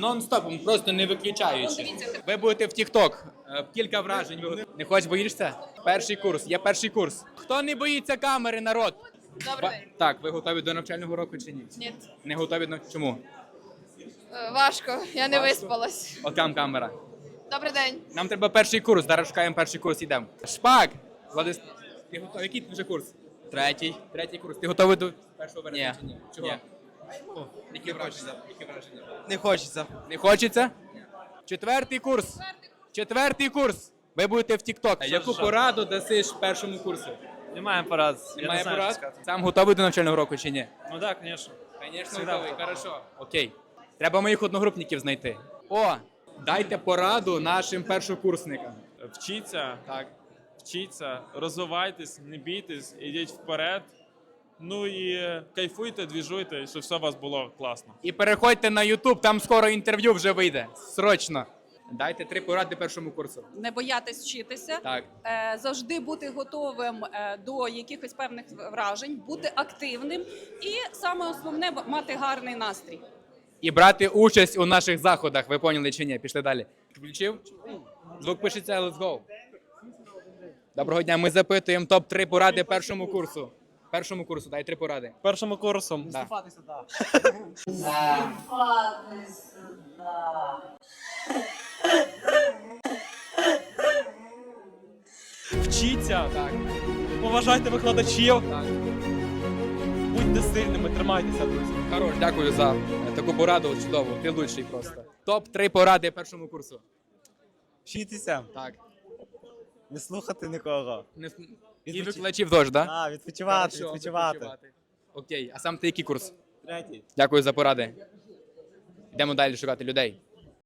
нон-стопом, просто не виключаючи. Ви будете в TikTok. Кілька вражень. Не хочеш, боїшся? Перший курс. Є перший курс. Хто не боїться камери, народ? Добрий день. Так, ви готові до навчального року чи ні? Ні. Не готові Чому? Важко, я не виспалась. От там камера. Добрий день. Нам треба перший курс, зараз шукаємо перший курс, йдемо. Шпак! Ти готовий? Який ти вже курс? Третій. Третій курс. Ти готовий до першого вересня чи ні? Чого? Ні. Які враження? Які враження? Не хочеться. Не хочеться? Четвертий курс. Четвертий курс. Ви будете в TikTok. Яку пораду дасиш першому курсу? Немає порад. Немає порад? Сам готовий до навчального року чи ні? Ну так, звісно. Звісно, готовий. Хорошо. Окей. Треба моїх одногрупників знайти. О, дайте пораду нашим першокурсникам. Вчіться, Так. вчіться, розвивайтесь, не бійтесь, ідіть вперед. Ну і кайфуйте, двіжуйте, щоб все у вас було класно. І переходьте на YouTube, там скоро інтерв'ю вже вийде. Срочно. Дайте 3 поради першому курсу. Не боятись вчитися, Так. завжди бути готовим до якихось певних вражень, бути активним і саме основне мати гарний настрій. І брати участь у наших заходах. Ви поняли чи ні? Пішли далі. Включив? Звук пишеться, let's go. Доброго дня, ми запитуємо топ-3 поради першому курсу. Першому курсу, дай 3 поради. Першому курсом Да. вчіться, Так, поважайте викладачів, так. будьте сильними, тримайтеся, друзі. Хорош, дякую за таку пораду чудову. Ти лучший просто. Топ-3 поради першому курсу. Вчитися, Так. не слухати нікого. І викладачів теж, так? А, відпочивати. Окей, а сам ти який курс? Третій. Дякую за поради. Йдемо далі шукати людей.